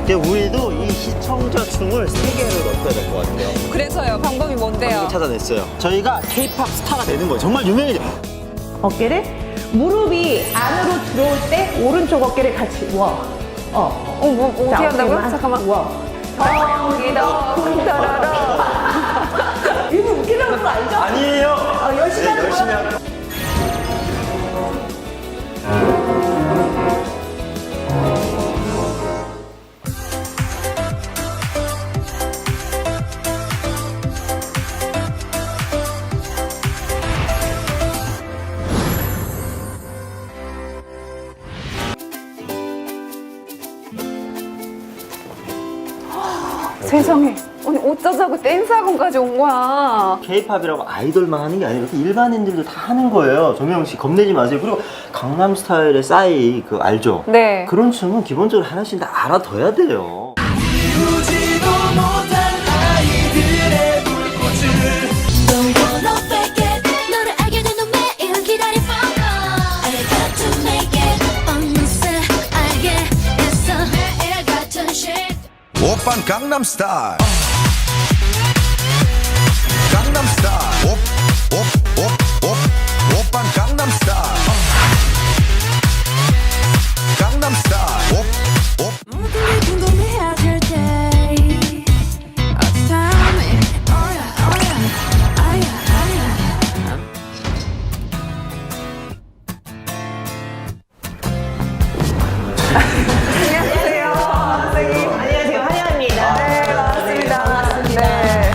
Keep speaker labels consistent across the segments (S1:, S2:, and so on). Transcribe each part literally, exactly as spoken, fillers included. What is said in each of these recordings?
S1: 우리도 이 시청자층을 세 개를 넣어야 될 것 같아요.
S2: 그래서요. 방법이 뭔데요?
S1: 찾아냈어요. 저희가 케이팝 스타가 되는 거예요. 정말 유명해져.
S3: 어깨를 무릎이 안으로 들어올 때 오른쪽 어깨를 같이 워. 어.
S2: 어, 뭐, 뭐 어떻게
S3: 자,
S2: 한다고요?
S3: 어깨만
S2: 잠깐만.
S3: 워.
S2: 덩기더 쿵터러러.
S3: 이거 웃기려는 거 알죠?
S1: 아니에요.
S3: 어, 열심히 하는
S1: 열심히
S3: 거야.
S1: 하는
S2: 세상에. 아니 어쩌자고 댄스 학원까지 온 거야.
S1: 케이팝이라고 아이돌만 하는 게 아니라 이렇게 일반인들도 다 하는 거예요. 정명 씨 겁내지 마세요. 그리고 강남 스타일의 싸이 그 알죠?
S2: 네.
S1: 그런 춤은 기본적으로 하나씩 다 알아둬야 돼요.
S4: 이루지도 못한 아이들의 불꽃을
S5: Don't wanna fake it 너를 알게 된 넌 매일 기다릴 phone call I got to make it 어느새 알게 됐어 매일 같은 shit
S4: 오빤 강남스타일 강남스타일 옵옵옵옵 오빤 강남스타일 강남스타일 옵옵
S5: 모두를 궁금해하실 때 Oh tell me Oh yeah oh yeah Oh yeah oh yeah
S2: 안녕하세요. 선생님.
S3: 안녕하세요. 환영합니다.
S2: 네, 반갑습니다. 반갑습니다. 네.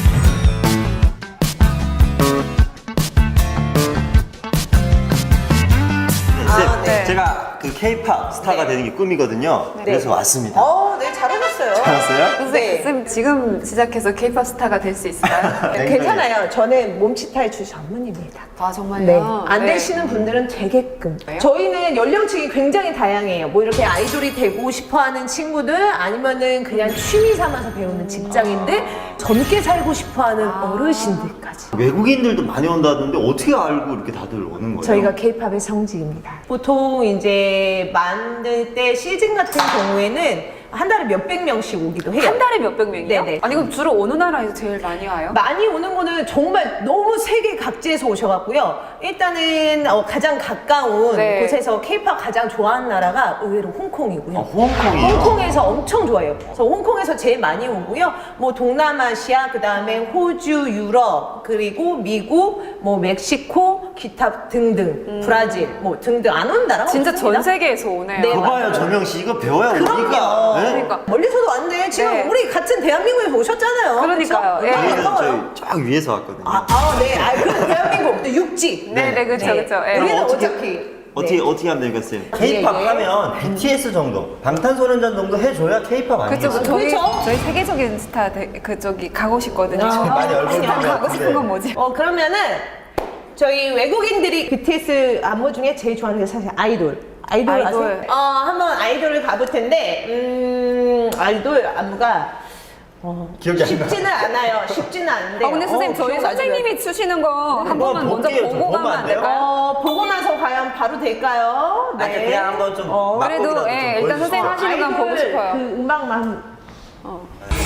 S1: 아,
S2: 네.
S1: 제가 그 케이팝 스타가 되는 게 꿈이거든요. 그래서 왔습니다.
S3: 어, 네, 잘하셨어요.
S1: 알았어요?
S2: 선생님, 선생님 지금 시작해서 케이팝 스타가 될 수 있을까요?
S1: 네.
S3: 괜찮아요. 저는 몸치 탈출 전문입니다.
S2: 아 정말요?
S3: 네. 안
S2: 네.
S3: 되시는 분들은 되게끔.
S2: 왜요?
S3: 저희는 연령층이 굉장히 다양해요. 뭐 이렇게 아이돌이 되고 싶어 하는 친구들, 아니면은 그냥 취미 삼아서 배우는 직장인들, 젊게 살고 싶어 하는 어르신들까지.
S1: 외국인들도 많이 온다던데 어떻게 알고 이렇게 다들 오는 거예요?
S3: 저희가 케이팝의 성지입니다. 보통 이제 만들 때 시즌 같은 경우에는 한 달에 몇백 명씩 오기도 해요.
S2: 한 달에 몇백 명이요?
S3: 네네.
S2: 아니 그럼 주로 어느 나라에서 제일 많이 와요?
S3: 많이 오는 거는 정말 너무 세계 각지에서 오셔갖고요. 일단은 어, 가장 가까운
S2: 네.
S3: 곳에서 케이팝 가장 좋아하는 나라가 의외로 홍콩이고요.
S1: 아, 홍콩이요?
S3: 홍콩에서 엄청 좋아해요. 그래서 홍콩에서 제일 많이 오고요. 뭐 동남아시아, 그 다음에 호주, 유럽, 그리고 미국, 뭐 멕시코, 기타 등등, 브라질, 뭐 등등 안 오는 나라가
S2: 진짜
S3: 없습니다.
S2: 전 세계에서 오네요.
S3: 네,
S1: 그거 봐요, 정명 씨. 이거 배워야
S3: 그럼요.
S1: 우리가. 네?
S2: 그러니까.
S3: 멀리서도 왔는데 지금
S2: 네.
S3: 우리 같은 대한민국에서 오셨잖아요.
S2: 그러니까요.
S3: 그쵸?
S2: 예.
S3: 얼마나
S1: 저희는
S3: 반가워요.
S1: 저희 쫙 위에서 왔거든요.
S3: 아, 아, 네. 아, 그 대한민국 또 육지.
S2: 네네 그렇죠
S3: 네.
S2: 그렇죠. 예.
S1: 그럼
S3: 우리는
S1: 어떻게-
S3: 어차피
S1: 어떻게
S3: 네.
S1: 어떻게 하면 되겠어요? 케이팝
S3: 예, 예.
S1: 하면 비티에스 정도, 방탄소년단 정도 해줘야 케이팝
S2: 그쵸,
S1: 아니겠어요?
S2: 저희,
S3: 그쵸?
S2: 저희 세계적인 스타 대, 그쪽이 가고 싶거든요.
S3: 아,
S1: 많이 얼굴
S2: 스타
S1: 보는 것
S2: 가고 싶은 건
S1: 같은데.
S2: 뭐지?
S3: 어 그러면은 저희 외국인들이 비티에스 안무 중에 제일 좋아하는 게 사실 아이돌. 아이돌,
S2: 아이돌.
S3: 아세요? 어 한번 아이돌을 가볼 텐데 음 아이돌 안무가 어,
S1: 기억이 안 나.
S3: 쉽지는 않아요. 쉽지는 않은데.
S2: 아 근데 선생님
S3: 어,
S2: 저희
S3: 기억 아주
S2: 선생님이 추시는 거 한
S1: 한번
S2: 번만 먼저
S1: 볼게요. 저
S2: 보고
S1: 보면
S2: 가면
S1: 안
S2: 안
S1: 돼요?
S2: 될까요?
S3: 어, 보고 나서 과연 바로 될까요?
S1: 아니, 그냥 한번 좀
S3: 어,
S1: 맛보기라도
S2: 그래도,
S1: 좀
S2: 예, 일단
S1: 보여주시죠.
S2: 선생님 하시는 건 보고
S3: 아이돌
S2: 싶어요.
S3: 그 음악만
S2: 어.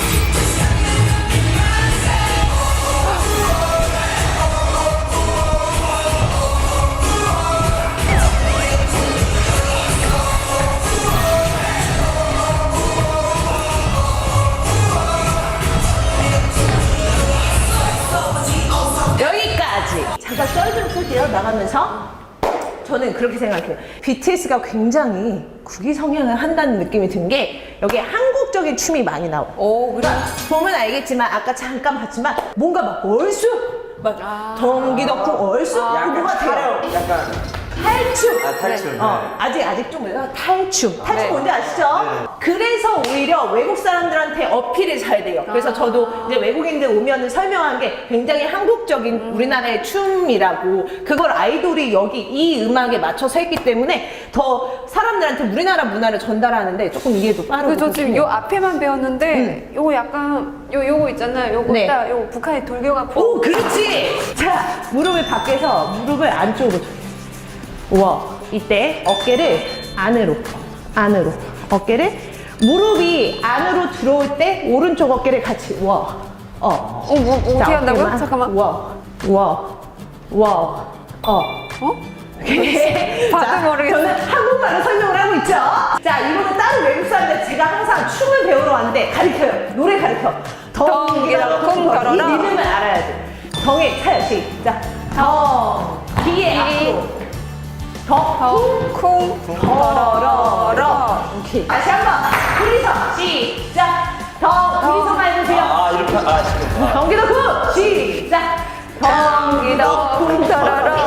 S3: 여기까지. 잠깐 썰 좀 풀게요. 나가면서. 저는 그렇게 생각해요. 비티에스가 굉장히 국위 성향을 한다는 느낌이 든 게 여기에 한국적인 춤이 많이 나와요.
S2: 오 그래?
S3: 보면 알겠지만 아까 잠깐 봤지만 뭔가 막 얼쑤 막
S2: 아.
S3: 덩기덕쿵 얼쑤 그 뭐가 돼요.
S1: 약간
S3: 탈춤.
S1: 아, 탈춤.
S3: 어,
S1: 네.
S3: 아직 아직 좀 몰라. 탈춤. 탈춤
S2: 네.
S3: 뭔지 아시죠? 그래서 오히려 외국 사람들한테 어필이 잘 돼요. 그래서 저도 이제 외국인들 오면은 설명한 게 굉장히 한국적인 우리나라의 춤이라고 그걸 아이돌이 여기 이 음악에 맞춰서 했기 때문에 더 사람들한테 우리나라 문화를 전달하는데 조금 이해도 빠르고.
S2: 그저 지금
S3: 그렇군요.
S2: 요 앞에만 배웠는데 요거 약간 요 요거 있잖아요. 요거
S3: 네.
S2: 딱 요거 북한의 돌격아 포.
S3: 오, 그렇지! 자, 무릎을 밖에서, 무릎을 안쪽으로. 와, 이때 어깨를 안으로, 안으로. 어깨를 무릎이 안으로 들어올 때 오른쪽 어깨를 같이 와. 어.
S2: 어, 뭐, 뭐 어떻게
S3: 자,
S2: 한다고요?
S3: 어깨만.
S2: 잠깐만.
S3: 와. 와. 와. 어.
S2: 어?
S3: 오케이.
S2: 봐도
S3: 자,
S2: 모르겠어요.
S3: 저는 한국말로 설명을 하고 있죠. 자, 이거는 다른 외국 사람들 제가 항상 춤을 배우러 왔는데 가르쳐요. 노래 가르쳐.
S2: 덩기랑 쿵 걸어라.
S3: 이 리듬을 알아야 돼. 덩에 차요. 시작. 덩. 뒤에 앞으로. 덩. 쿵.
S2: 쿵.
S3: 걸어라. 오케이. 다시 한 번. 둘이서 시작. 덩. 둘이서만 해주세요.
S1: 아 이렇게 아 지금.
S3: 덩기도 쿵. 시작. 덩기도 쿵 걸어라.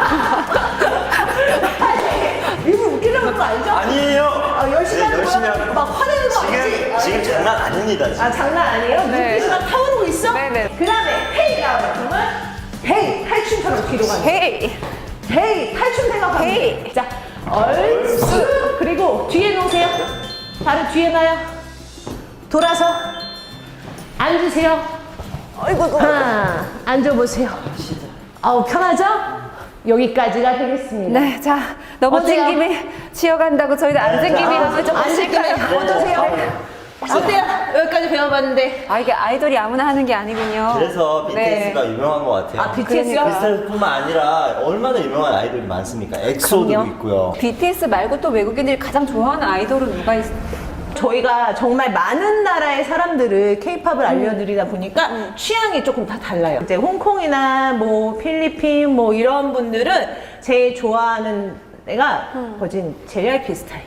S3: 일부러 웃기려는 거 알죠?
S1: 아니에요.
S3: 아, 열심히 하는
S1: 열심히
S3: 거야?
S1: 하는
S3: 막 화내는 거 아니지?
S1: 지금 지금 장난 아닙니다. 지금.
S3: 아 장난 아니에요?
S2: 네.
S3: 눈빛이 막 타오르고 있어?
S2: 네네.
S3: 그 다음에 헤이 나와요. 그러면 헤이 탈춤처럼 뒤로 가는 거예요.
S2: 헤이.
S3: 헤이 탈춤 생각하면
S2: 헤이.
S3: 돼. 자 얼쑤 그리고 뒤에 놓으세요. 발을 뒤에 놔요. 돌아서 앉으세요.
S2: 어이구,
S3: 하나 앉아보세요. 아우 편하죠? 여기까지가 되겠습니다.
S2: 네, 자, 넘어진
S3: 어때요?
S2: 김에 쉬어간다고 저희도 앉은 김에 하면 좀
S3: 앉을 김에
S2: 하실까요?
S3: 어떠세요? 어때요? 여기까지 배워봤는데
S2: 아, 이게 아이돌이 아무나 하는 게 아니군요.
S1: 그래서
S2: 네.
S1: 비티에스가 유명한 것 같아요.
S3: 아 비티에스요?
S1: 비티에스뿐만 아니라 얼마나 유명한 아이돌이 많습니까? 엑소도
S3: 그럼요.
S1: 있고요.
S2: 비티에스 말고 또 외국인들이 가장 좋아하는 아이돌은 누가 있어요?
S3: 저희가 정말 많은 나라의 사람들을 케이팝을 알려드리다 보니까 취향이 조금 다 달라요. 이제 홍콩이나 뭐 필리핀 뭐 이런 분들은 제일 좋아하는 애가 거진 제이알피 스타일.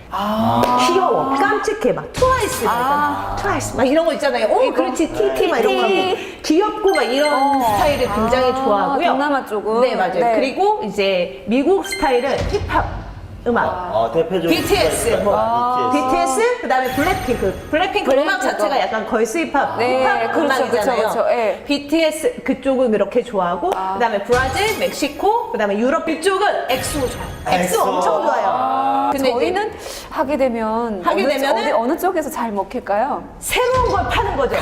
S3: 귀여워, 깜찍해, 막 트와이스, 막
S2: 아.
S3: 있잖아. 트와이스 막 이런 거 있잖아요. 오, 그렇지, 티티 막 이런 거 하고 귀엽고 막 이런
S2: 어.
S3: 스타일을 굉장히
S2: 아,
S3: 좋아하고요.
S2: 동남아 쪽은?
S3: 네, 맞아요.
S2: 네.
S3: 그리고 이제 미국 스타일은 힙합 음악.
S1: 어, 대표적으로
S3: 비티에스, 뭐,
S1: 아,
S3: 비티에스, 그 다음에 블랙핑크. 블랙핑크 음악
S2: 블랙핑크.
S3: 자체가 약간 걸스 힙합,
S2: 네,
S3: 힙합
S2: 그렇죠,
S3: 음악이잖아요.
S2: 그렇죠, 그렇죠, 예.
S3: 비티에스 그쪽은 그렇게 좋아하고, 그 다음에 브라질, 멕시코, 그 다음에 유럽 이쪽은 엑소 좋아요. 엑소
S1: 엑소.
S3: 엄청 좋아요. 근데 이제
S2: 저희는 하게 되면
S3: 하게
S2: 어느,
S3: 되면은
S2: 어디, 어느 쪽에서 잘 먹힐까요?
S3: 새로운 걸 파는 거죠.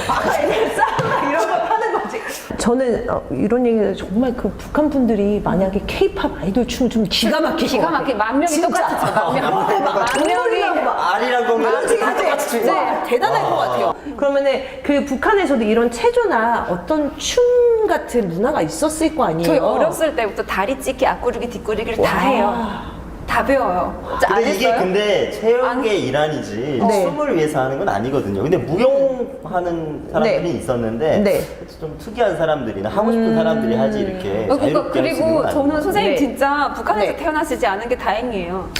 S3: 싸움 이런 걸 파는 거지. 저는 어, 이런 얘기를 정말 그 북한 분들이 만약에 케이팝 아이돌 춤을 좀 기가 막히게
S2: 기가 막히게 만 명이 똑같이 춰, 만 명.
S3: 만 명이
S1: 아리랑 공연
S3: 진짜 대단할 것 같아요. 그러면은 그 북한에서도 이런 체조나 어떤 춤 같은 문화가 있었을 거 아니에요?
S2: 저희 어렸을 때부터 다리 찢기, 앞구르기, 뒷구르기를 다
S3: 와.
S2: 해요. 다 배워요. 안
S1: 근데 이게
S2: 했어요?
S1: 근데 체육의
S2: 아니.
S1: 일환이지
S3: 네.
S1: 춤을 위해서 하는 건 아니거든요. 근데 무용하는 사람들이
S3: 네.
S1: 있었는데
S3: 네.
S1: 좀 특이한 사람들이나 하고 싶은 사람들이 하지 이렇게
S2: 어, 그러니까
S1: 자유롭게 할수 있는
S2: 그리고
S1: 건
S2: 저는 선생님
S3: 네.
S2: 진짜 북한에서
S3: 네.
S2: 태어나시지 않은 게 다행이에요.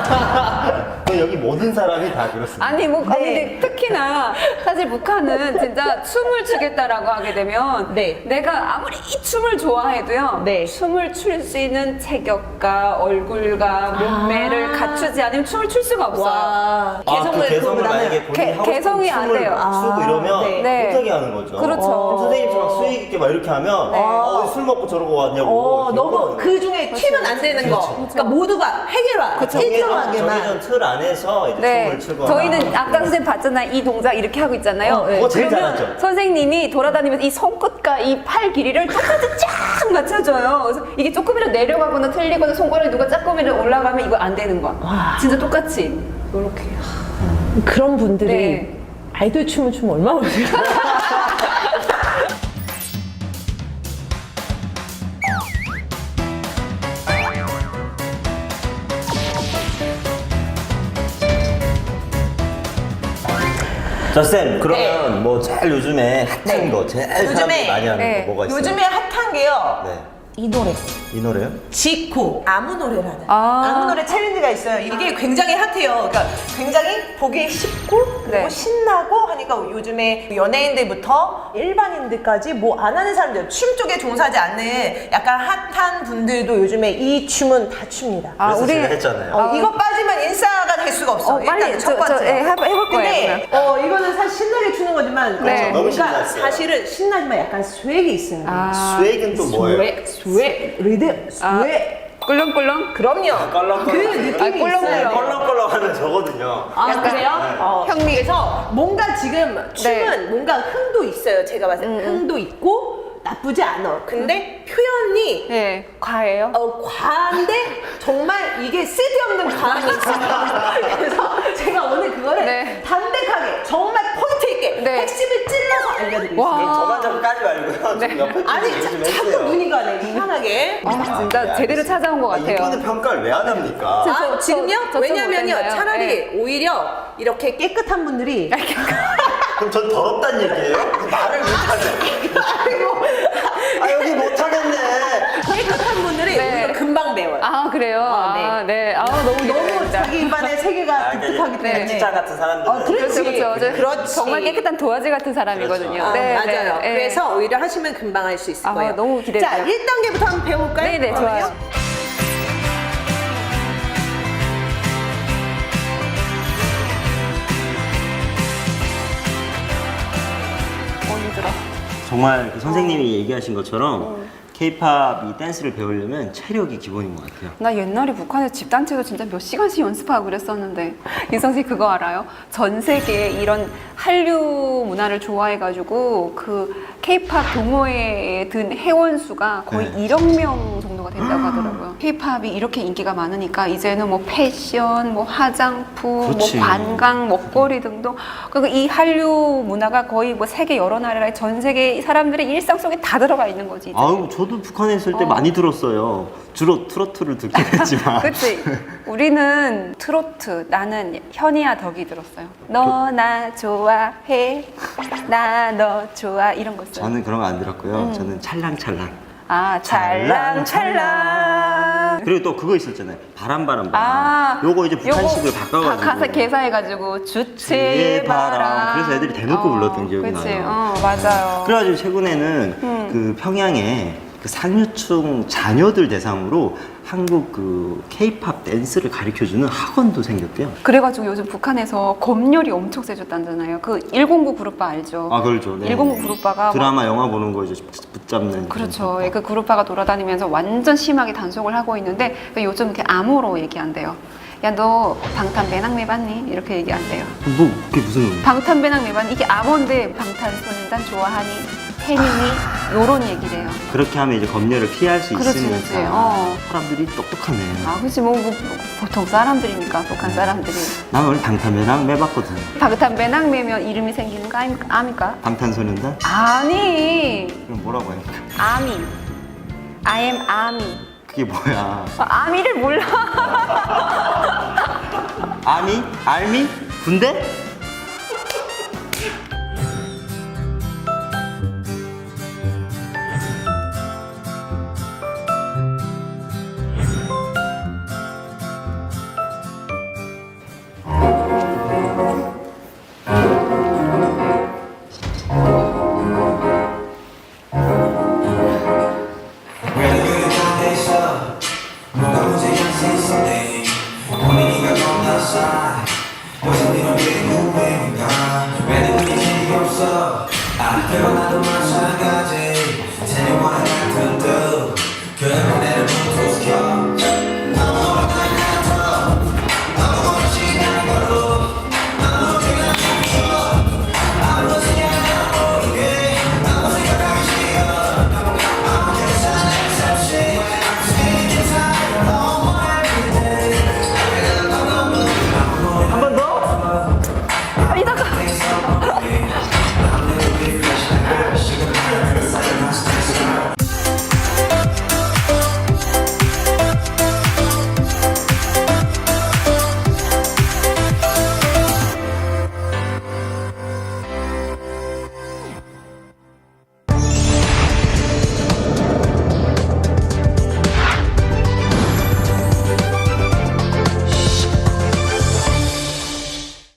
S1: 아니에요. 여기 모든 사람이 다 그렇습니다.
S2: 아니 뭐 아니,
S3: 네.
S2: 근데 특히나 사실 북한은 진짜 춤을 추겠다라고 하게 되면
S3: 네.
S2: 내가 아무리 이 춤을 좋아해도요
S3: 네.
S2: 춤을 출 수 있는 체격과 얼굴과 몸매를
S3: 아.
S2: 갖추지 않으면 춤을 출 수가 없어요.
S3: 와.
S1: 아, 그 개성을 만약에 본인이
S2: 개-
S1: 하고 싶은
S2: 개성이 안
S1: 춤을
S2: 돼요.
S1: 추고
S3: 아,
S1: 이러면
S3: 네.
S2: 네.
S1: 못하게 하는 거죠.
S2: 그렇죠.
S1: 그럼 선생님처럼 수익 있게 막 이렇게 하면
S2: 네.
S1: 어, 술 먹고 저러고 왔냐고.
S3: 어,
S1: 이렇게
S3: 너무
S1: 하는
S3: 그 중에 튀면 안 되는 거. 그러니까 모두가 해결화.
S1: 정해진
S3: 일정하게만.
S1: 틀 안에서 이제
S2: 네,
S1: 춤을 추거나.
S2: 저희는 아까 선생님 봤잖아요. 이 동작 이렇게 하고 있잖아요.
S3: 어, 네.
S1: 그거 제일
S2: 그러면
S1: 잘하죠.
S2: 선생님이 돌아다니면서 이 손끝과 이 팔 길이를 똑같이 쫙 맞춰줘요. 그래서 이게 조금이라도 내려가거나 틀리거나 손가락이 누가 조금이라도 올라가면 이거 안 되는 거야.
S3: 와.
S2: 진짜 똑같이. 이렇게.
S3: 그런 분들이
S2: 네.
S3: 아이돌 춤을 추면 얼마나 좋을까?
S1: 자, 쌤, 그러면 뭐 제일 요즘에 핫한
S3: 네.
S1: 거, 제일 사람들이 많이 하는
S2: 네.
S1: 거 뭐가 있어요?
S3: 요즘에 핫한 게요.
S1: 네.
S3: 이 노래.
S1: 이 노래요?
S3: 지코 아무 노래라는
S2: 아.
S3: 아무 노래 챌린지가 있어요. 이게 굉장히 핫해요. 그러니까 굉장히 보기 쉽고 그리고
S2: 네.
S3: 신나고 하니까 요즘에 연예인들부터 일반인들까지 뭐 안 하는 사람들 춤 쪽에 종사하지 않는 약간 핫한 분들도 요즘에 이 춤은 다 춥니다.
S2: 아,
S1: 그래서
S2: 우리-
S1: 제가 했잖아요.
S3: 어, 이거 빠지면 인싸가 될 수가 없어.
S2: 어, 빨리
S3: 일단은 첫
S2: 저- 저,
S3: 번째.
S2: 예, 해볼- 해볼 거예요,
S3: 근데 어, 이거는 사실 신나게 추는 거지만
S2: 네.
S3: 어,
S1: 너무
S3: 뭔가
S1: 신났어요.
S3: 사실은 신나지만 약간 스웩이 있어요.
S2: 아,
S1: 스웩은 또 뭐예요?
S3: 스웩, 스웩, 리듬,
S2: 아.
S3: 스웩.
S2: 꿀렁꿀렁?
S3: 그럼요.
S1: 껄렁껄렁.
S3: 그 느낌이
S2: 아, 꿀렁꿀렁.
S3: 있어요.
S1: 껄렁껄렁 하는 저거든요.
S3: 아,
S2: 약간-
S3: 그래요? 어.
S2: 형님.
S3: 그래서 뭔가 지금 춤은
S2: 네.
S3: 뭔가 흥도 있어요. 제가 봤을 때
S2: 음, 음.
S3: 흥도 있고 나쁘지 않아. 근데 표현이
S2: 네, 과예요.
S3: 어, 과한데 정말 이게 쓸데없는 과함이 있어요. 그래서 제가 오늘 그거를
S2: 네.
S3: 담백하게 정말 포인트 있게
S2: 네.
S3: 핵심을 찔러서 알려드리겠습니다.
S2: 와.
S1: 그럼 저만 자꾸 까지 말고요.
S2: 네.
S1: 좀 옆에
S3: 아니
S1: 좀
S3: 자,
S1: 좀
S3: 자꾸
S1: 해주세요.
S3: 눈이 가네 희한하게.
S2: 아, 진짜 제대로 찾아온 것
S1: 아,
S2: 같아요.
S1: 이거는 평가를 왜 안 합니까?
S2: 저-
S3: 아,
S2: 저-
S3: 지금요?
S2: 저- 저
S3: 왜냐면요
S2: 좀 어땠나요?
S3: 차라리
S2: 네.
S3: 오히려 이렇게 깨끗한 분들이
S1: 그럼 전 더럽단 얘기예요? 말을 못하네. 아 여기 못하겠네.
S3: 깨끗한 분들이
S2: 네.
S3: 오히려 금방 배워요.
S2: 아 그래요?
S3: 아, 네.
S2: 아, 네. 아 너무
S3: 너무
S2: 기대됩니다.
S3: 자기 입안의 세계가
S1: 아, 그러니까
S3: 독특하기
S1: 이제
S3: 때문에.
S1: 찌짜 같은 사람들.
S3: 어, 그렇지.
S2: 그렇죠, 그렇죠. 저
S3: 그렇지.
S2: 정말 깨끗한 도화지 같은 사람이거든요.
S3: 아,
S2: 네,
S3: 맞아요.
S2: 네, 네.
S3: 그래서 오히려 하시면 금방 할 수 있을
S2: 아,
S3: 거예요.
S2: 너무 기대돼요.
S3: 자, 일 단계부터 한번 배워볼까요?
S2: 네, 네, 좋아요. 어, 힘들어.
S1: 정말 그 선생님이 얘기하신 것처럼 케이팝 이 댄스를 배우려면 체력이 기본인 것 같아요.
S2: 나 옛날에 북한에서 집단체로 진짜 몇 시간씩 연습하고 그랬었는데 이 선생님 그거 알아요? 전 세계에 이런 한류 문화를 좋아해가지고 그 케이팝 동호회에 든 회원 수가 거의
S1: 네.
S2: 일억 명 정도가 된다고 하더라고요. 케이팝이 이렇게 인기가 많으니까 이제는 뭐 패션, 뭐 화장품,
S1: 그렇지.
S2: 뭐 관광, 먹거리 등등 그리고 이 한류 문화가 거의 뭐 세계 여러 나라의 전 세계 사람들의 일상 속에 다 들어가 있는 거지. 이제.
S1: 아유 저도 북한에 있을 때
S2: 어.
S1: 많이 들었어요. 주로 트로트를 듣긴 했지만.
S2: 그치? 우리는 트로트, 나는 현이야 덕이 들었어요. 너 나 좋아해, 나 너 좋아 이런 거 있어요.
S1: 저는 그런 거 안 들었고요.
S2: 음.
S1: 저는 찰랑찰랑.
S2: 아 찰랑찰랑.
S1: 그리고 또 그거 있었잖아요. 바람바람 바람.
S2: 아,
S1: 요거 이제 북한식으로
S2: 요거
S1: 바꿔가지고.
S2: 가- 가사 개사해가지고 주체의 바람.
S1: 바람. 그래서 애들이 대놓고 불렀던 기억이
S2: 그치?
S1: 나요.
S2: 어, 맞아요.
S1: 그래가지고 최근에는
S2: 음.
S1: 그 평양에 그 상류층 자녀들 대상으로 한국 그 케이팝 댄스를 가르쳐주는 학원도 생겼대요.
S2: 그래가지고 요즘 북한에서 검열이 엄청 세졌다잖아요. 그 일공구 그룹바 알죠?
S1: 아 그렇죠. 네.
S2: 일공구 그룹바가
S1: 드라마 영화 보는 거 이제 붙잡는.
S2: 그렇죠.
S1: 그런
S2: 그 그룹바가 돌아다니면서 완전 심하게 단속을 하고 있는데 요즘 이렇게 암호로 얘기한대요. 야 너 방탄배낭 매봤니? 이렇게 얘기한대요.
S1: 뭐 그게 무슨
S2: 방탄배낭 매봤니? 이게 암호인데 방탄소년단 좋아하니? 팬이니? 요런 얘기래요.
S1: 그렇게 하면 이제 검열을 피할 수
S2: 그렇지,
S1: 있으니까
S2: 그렇지. 어.
S1: 사람들이 똑똑하네.
S2: 아 그치 뭐, 뭐 보통 사람들이니까 북한 사람들이
S1: 난 원래 방탄배랑 매봤거든.
S2: 방탄배낭 매면 이름이 생기는 거 아닙- 아닙니까?
S1: 방탄소년단?
S2: 아니
S1: 그럼 뭐라고 해요?
S2: 아미 I am 아미
S1: 그게 뭐야?
S2: 아미를 몰라.
S1: 아미? 알미? 군대?
S4: 태어나도 마찬가지 세뇌와 같은